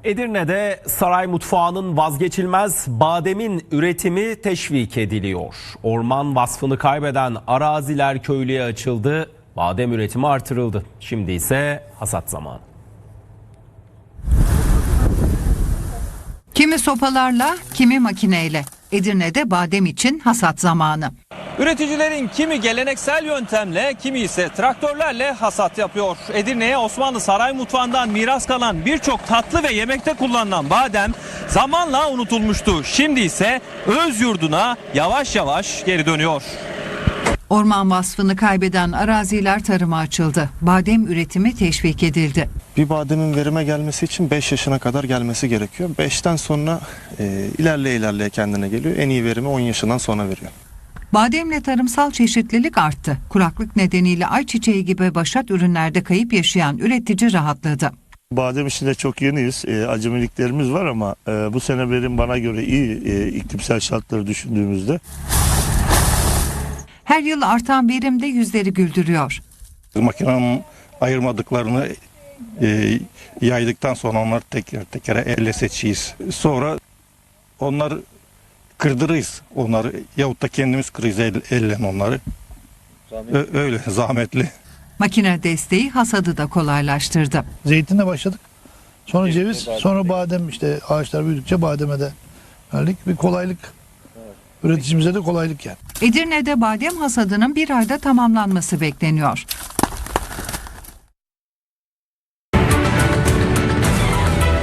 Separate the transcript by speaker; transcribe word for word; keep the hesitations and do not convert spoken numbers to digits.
Speaker 1: Edirne'de saray mutfağının vazgeçilmez bademin üretimi teşvik ediliyor. Orman vasfını kaybeden araziler köylüye açıldı, badem üretimi artırıldı. Şimdi ise hasat zamanı.
Speaker 2: Kimi sopalarla, kimi makineyle. Edirne'de badem için hasat zamanı.
Speaker 3: Üreticilerin kimi geleneksel yöntemle, kimi ise traktörlerle hasat yapıyor. Edirne'ye Osmanlı saray mutfağından miras kalan birçok tatlı ve yemekte kullanılan badem zamanla unutulmuştu. Şimdi ise öz yurduna yavaş yavaş geri dönüyor.
Speaker 2: Orman vasfını kaybeden araziler tarıma açıldı. Badem üretimi teşvik edildi.
Speaker 4: Bir bademin verime gelmesi için beş yaşına kadar gelmesi gerekiyor. beşten sonra e, ilerleye ilerleye kendine geliyor. En iyi verimi on yaşından sonra veriyor.
Speaker 2: Bademle tarımsal çeşitlilik arttı. Kuraklık nedeniyle ayçiçeği gibi başat ürünlerde kayıp yaşayan üretici rahatladı.
Speaker 5: Badem işinde çok yeniyiz. E, acemiliklerimiz var ama e, bu sene verim bana göre iyi e, iklimsel şartları düşündüğümüzde.
Speaker 2: Her yıl artan verim de yüzleri güldürüyor.
Speaker 6: Makinenin ayırmadıklarını e, yaydıktan sonra onları teker tekere elle seçiyiz. Sonra onları kırdırırız. Onları yahut da kendimiz kırırız el, elle onları. Ö, öyle zahmetli.
Speaker 2: Makine desteği hasadı da kolaylaştırdı.
Speaker 7: Zeytinle başladık. Sonra ceviz, sonra badem, işte ağaçlar büyüdükçe bademe de geldik. Bir kolaylık. Üreticimize de kolaylık yani.
Speaker 2: Edirne'de badem hasadının bir ayda tamamlanması bekleniyor.